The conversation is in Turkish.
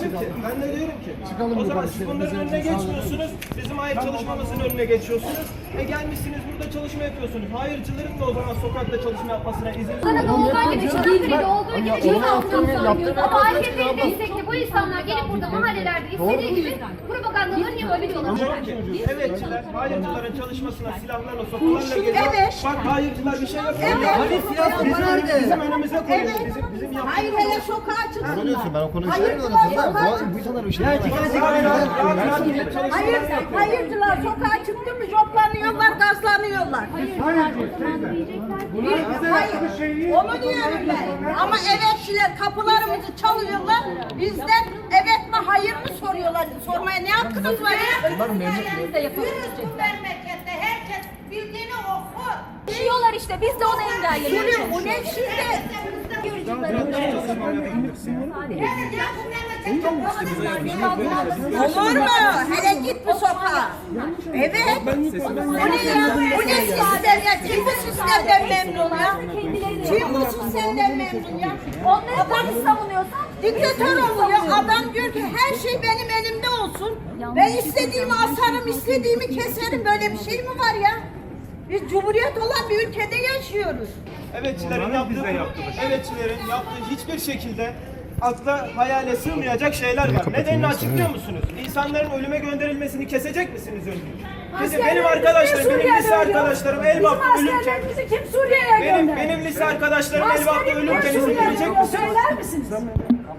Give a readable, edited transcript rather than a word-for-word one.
ki, ben de diyorum ki, Çıkalım o zaman yukarı, siz bunların üzerimize önüne sağlayalım. geçmiyorsunuz, bizim hayır çalışmamızın önüne geçiyorsunuz. Gelmişsiniz burada çalışma yapıyorsunuz. Hayırcıların da o zaman sokakta çalışma yapmasına izin Sana olduğu gibi, Çanakkale'de olduğu gibi Onu yaptığım ama AKP'yi destekli bu insanlar gelip burada mahallelerde istediği gibi propagandalarını yapabiliyorlar. Diyorum ki, evetçiler hayırcıların çalışmasına silahlarla, sopalarla geliyor. Evet. Bak hayırcılar bir şey yapıyor. Evet. Hani bizim önümüze koyuyor. Bizim yaptığımız. Hayır hele sokağa çıksınlar. Ben o konuyu Hayırcılar söylemiyorum. sokağa Bu insanlar bir şey Hayırcılar sokağa çıktı mı joplanıyorlar, gazlanıyorlar. Hayır, onu diyorum ben. Ama evetçiler kapılarımızı çalıyorlar. Bizden evet mi hayır mı soruyorlar. Sormaya ne hakkınız var ya? Bütün memlekette herkes bildiğini okur. Diyorlar işte biz de onu engelleyelim. Yürü, bu ne şimdi? Olur mu? Hele git bu sokağa. Evet. Bu ne ya? Bu ne sistem ya? Kim bu sistemden memnun ya? Kim bu sistemden memnun ya? Onları polis savunuyorsa Diktatör oluyor. Adam diyor ki her şey benim elimde olsun. Ben istediğimi asarım, istediğimi keserim. Böyle bir şey mi var ya? Biz cumhuriyet olan bir ülkede yaşıyoruz. Evetçilerin yaptığı hiçbir şekilde akla hayale sığmayacak şeyler var. Nedenini açıklıyor musunuz? İnsanların ölüme gönderilmesini kesecek misiniz önce? Benim arkadaşlarım, benim lise arkadaşlarım Elbap'ta ölürken Kim Suriye'ye gönderdi? benim lise arkadaşlarım Elbap'ta ölürken izin verecek misiniz? Söyler misiniz?